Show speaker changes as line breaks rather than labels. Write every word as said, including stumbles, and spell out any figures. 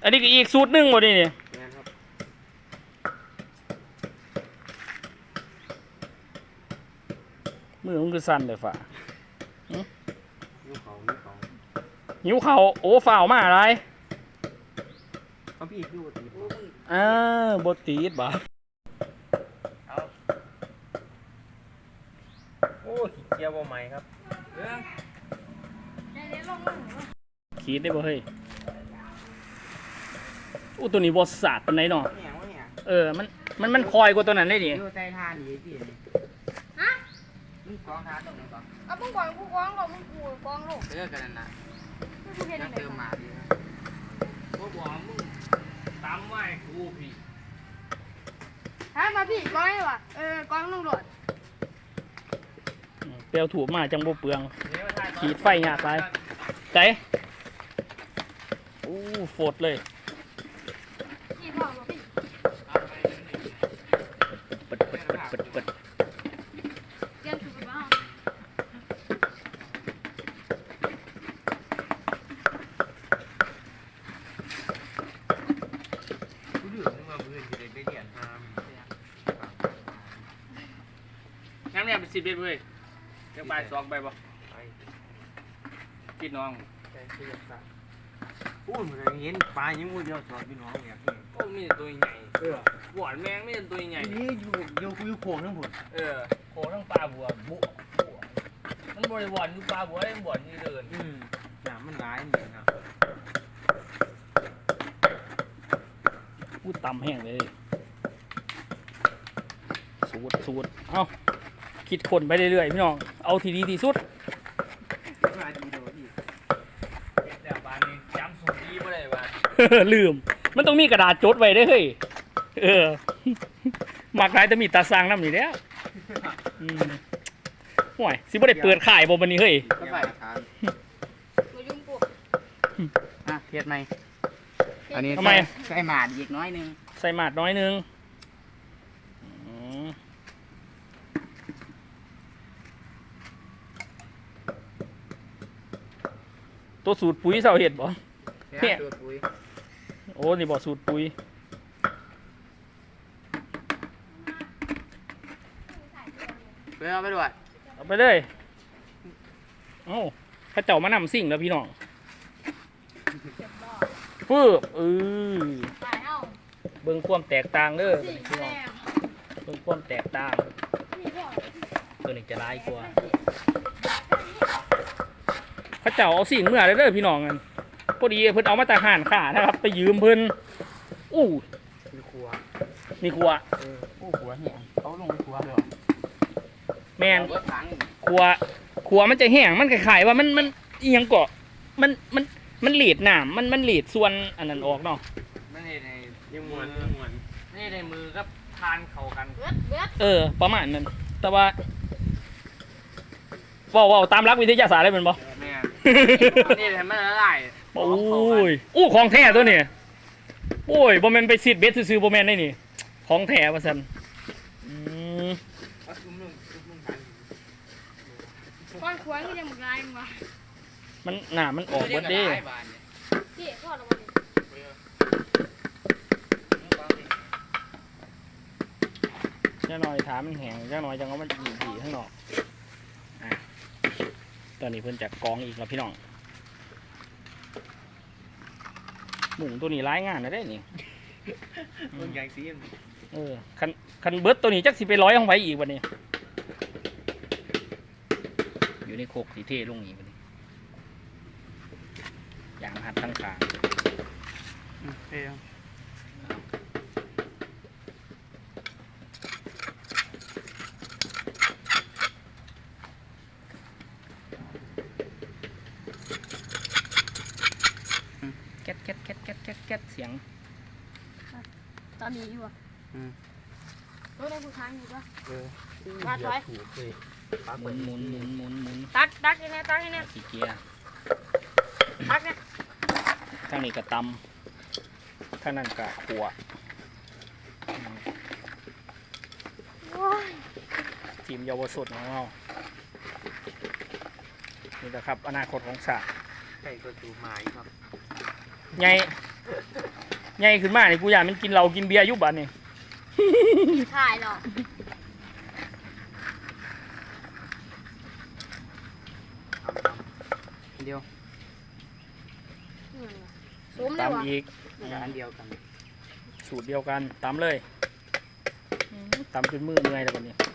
อันนี้ก็อีกสูตรหนึ่งหมดนี่นี่มือมันคือสั่นเลยฝ่าหิวเขาหิวเขาโอ้ฝ่าวมาอะไรเขาพี่คือบตีอ่าบตีดบ่
โอ้ขี้เกียจบ่ใหม่ครับ
ขีดได้บ่เฮ้ยอู้ตัวนี้บอสาดปานไหนเนาะเออมันมันมันคอยกว่าตัวนั้นได้ดิ
อยู่ใจทานดีพี่ฮะมึงกองทานตรงไหนก่อน
เอามึงกองกูกองลงมึงกูกองลง
เลิกกันนั่นน่ะยังเติมมาดีนะ
บ่บอกมึงตามไว้กูพี่
ฮะมาพี่กองเลยว่ะเออกองลงโดด
เปลวถูกมาจังบ่เปลืองขีดไฟหยาดไปใจอู้โฟดเลยปิดปิดปิดปิด
งั้นเนี่ยเป็นสิบเอ็ดเลยเดี๋ยวไปสองไปบ่พี่น้อง
พูดเหมือนเห็นปลายังมือเดียวสอนพี่น้องอย่างนี้
โอ้มีแต่ตัวใหญ่เออหวานแมงไม่ใช่ตัวใหญ่
นี่อยู่อยู่คุยโขงทั้งหมด
เออโขทั้งปลาบัวบุมันบริวารอยู่ปลาบัวได้บวชนี่เดิน
อืมหนามันร้ายเหมือนนะ
พูดต่ำแห้งเลยสูดสูดเอ้าคิดคนไปเรื่อยๆพี่น้องเอาทีดีที่สุด
เดี๋ยวบ้านนี้จำสูตรดีไม่ได้บ้าน
ลืมมันต้องมีกระดาษจดไว้ได้เฮ้ยเออมากหลายจะมีตาสร้างน้ำนี่แล้วห่วยสิบ่ได้เปิดขายบ่บันนี้เฮ้ย
อ่ะเทียดไหมอันนี้ใส่หมาดอีกน้อยนึง
ใส่หมาดน้อยนึงตัวสูตรปุ๋ยเสาเห็ดบ่
เนี่ย
โอ้นี่บ่สูตรปุ๋ย
ไปเอาไปด้วย
เอาไปเลยเอ้าข้าเจ้ามานำสิ่งแล้วพี่น้องฟื้บเออเบิ่งความแตกต่างเด้อพี่น้องเบิ่งความแตกต่างตัวนี้จะร้ายกว่าข้าเจ้าเอาสิ่งเมื่อเด้อพี่น้องกันพอดีเพิ่นเอามาจากห่านขานะครับไปยืมเพิ่นอู้
มีครัว
มีครัว
เอออู้ครัวเนี่ยเขาลงครัวเลย
แมนครัวครัวมันจะแห้งมันคล้ายๆว่ามันมันเอียงเกาะมันมันมันหลีดหนามมันมันหลีดส่วนอันนั้นออกเนาะ
ไม่ได้ในยังมวนมวนไม่ได้ในมือก็ทานเข่ากัน
เออประมาณนั้นแต่ว่าว้าวว้าวตามรักวิทยาศาสตร์ได้เป็นบ่
แม่นี่ทำไม่ละลาย
โอ้ยอู้ของแท้ตัวนี้โอ้ยบ่แม่นไปซีดเบสซื้อบ่แม่นได้นี่ของแท้ว่าซั่นอืม
ก้อนขวานก็ยังหมดลายมั้ง
มันหนามันออกเบิดเด้
พี่ทอดออกมา
ดิจ้าหน่อยถามมันแห้งจ้าหน่อยจังว่ามันอยู่ที่ข้างนอกอ่ะตอนนี้เพิ่นจะกองอีกแล้วพี่น้องหมูตัวนี้ร้ายงานนะได้นี่
มันใหญ่ซีน
เออคันคันเบิร์ดตัวนี้จักสิไปร้อยห้องไว้อีกวันนี้อยู่ในโคกสีเทลงอีกวันนี้อย่างหัดทั้งขา
เท่
แก๊ดแก๊ดแก๊ดแก๊ดแก๊ดแก๊ดเสียง
ตอนนี้อยู่อ่ะรถได้ผู้ชายอยู่ปะ
เออ
ตักไว้
หมุนหมุนหมุนหมุนหมุน
ตักตักยังไงตักยังไง
สีเกียร์
ตักเนี่ย
ข้างนี้กระตำข้างนั้นกระขัวทีมเยาวชนของเรานี่แหละครับอนาคตของศาสตร์
ใช่ก็สูหมายครับ
ไงใหญ่ขึ้นมานี่กูอยากมันกินเหล้ากินเบียร์อยุบบัดนี่
ถ่ายหรอก
เดียว
ซุ้มเลยวะ
ตำอีก
อันเดียวกัน
สูตรเดียวกันตำเลยตำจนมือเมื่อยแล้วบัดนี้